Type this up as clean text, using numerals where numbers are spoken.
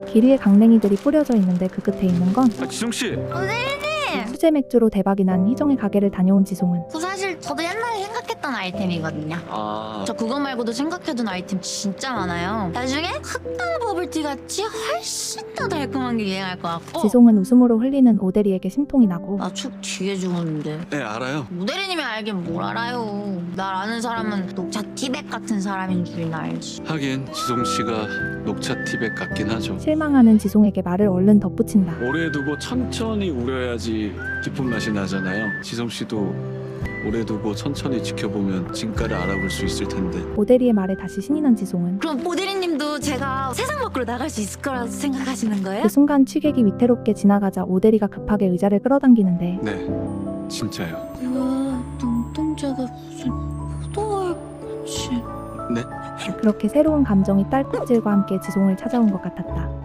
길 위에 강냉이들이 뿌려져 있는데 그 끝에 있는 건 지성씨! 수제 맥주로 대박이 난 희정의 가게를 다녀온 지송은 그 사실 저도 옛날에 생각했던 아이템이거든요. 저 그거 말고도 생각해둔 아이템 진짜 많아요. 나중에 흑당 버블티 같이 훨씬 더 달콤한 게 유행할 것 같고. 지송은 웃음으로 흘리는 오대리에게 심통이 나고 나 축 뒤에 죽었는데. 네 알아요. 모델이님이 알긴 뭘 알아요. 날 아는 사람은 녹차 티백 같은 사람인 줄이나 알지. 하긴 지성씨가 녹차 티백 같긴 하죠. 실망하는 지송에게 말을 얼른 덧붙인다. 오래 두고 천천히 우려야지 깊은 맛이 나잖아요. 지성씨도 오래 두고 천천히 지켜보면 진가를 알아볼 수 있을 텐데. 오대리의 말에 다시 신이 난 지송은 그럼 모델이님도 제가 세상 밖으로 나갈 수 있을 거라고 생각하시는 거예요? 그 순간 취객이 위태롭게 지나가자 오대리가 급하게 의자를 끌어당기는데 네, 진짜요. 와, 눈동자가 무슨 포도알같이. 네? 그렇게 새로운 감정이 딸꾹질과 함께 지송을 찾아온 것 같았다.